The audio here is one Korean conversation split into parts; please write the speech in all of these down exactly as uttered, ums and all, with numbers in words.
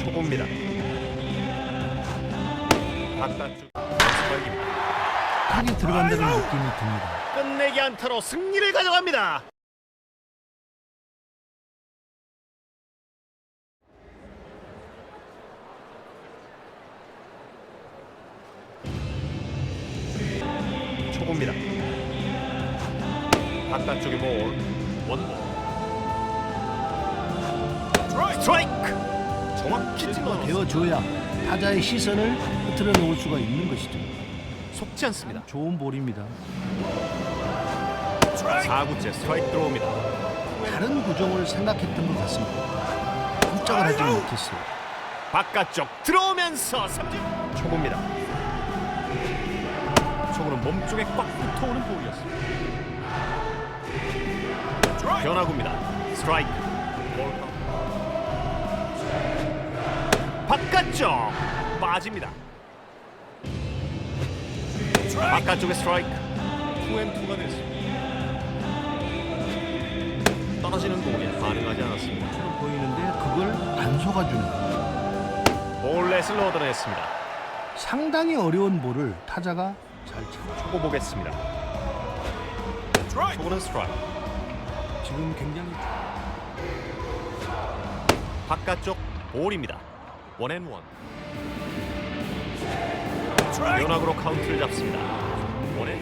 초보입니다. 바깥쪽 연습발기입니다. 타게 들어간다는 느낌이 듭니다. 끝내기 안타로 승리를 가져갑니다. 초보입니다. 바깥쪽에 볼 원볼 스트라이크. 정확히 찔러 되어줘야 타자의 시선을 흐트러 놓을 수가 있는 것이죠. 속지 않습니다. 좋은 볼입니다. 사 구째 스트라이크 들어옵니다. 다른 구종을 생각했던 것 같습니다. 꼼짝을 하지 못했어요. 바깥쪽 들어오면서 삼진. 초보입니다. 초보는 몸쪽에 꽉 붙어오는 볼이었습니다. 변화구입니다. 스트라이크. 볼 카운트. 바깥쪽 빠집니다. 바깥쪽에 스트라이크. 투앤투가 됐습니다. 떨어지는 공에 반응하지 않았습니다. 처럼 보이는데 그걸 안 속아주는. 볼넷을 얻어냈습니다. 상당히 어려운 볼을 타자가 잘 쳐. 초보 보겠습니다. 초보는 스트라이크. 지금 굉장히 바깥쪽 볼입니다. 원앤원. 변화구로 카운트를 잡습니다. 원앤.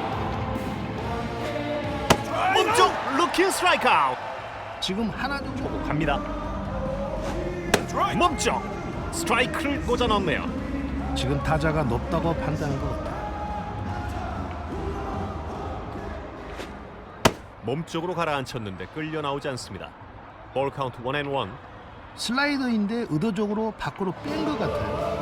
몸쪽 루킹 스트라이크 아웃. 지금 하나 정도 초보 갑니다. 몸쪽 스트라이크를 꽂아 넣네요. 지금 타자가 높다고 판단한 것 같아요. 몸쪽으로 가라앉혔는데 끌려 나오지 않습니다. 볼 카운트 원앤원. 슬라이더인데 의도적으로 밖으로 뺀 것 같아요.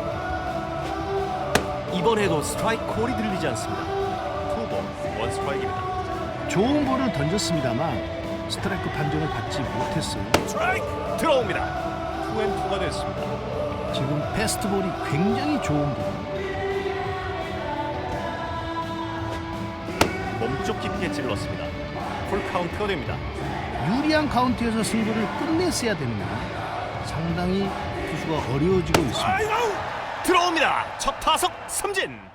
이번에도 스트라이크 콜이 들리지 않습니다. 투볼 원 스트라이크입니다. 좋은 볼을 던졌습니다만 스트라이크 판정을 받지 못했어요. 스트라이크 들어옵니다. 투앤투가 됐습니다. 지금 패스트볼이 굉장히 좋은 볼. 몸쪽 깊게 찔렀습니다. 풀 카운트가 됩니다. 유리한 카운트에서 승부를 끝냈어야 됩니다. 상당히 투수가 어려워지고 있습니다. 들어옵니다. 첫 타석 삼진.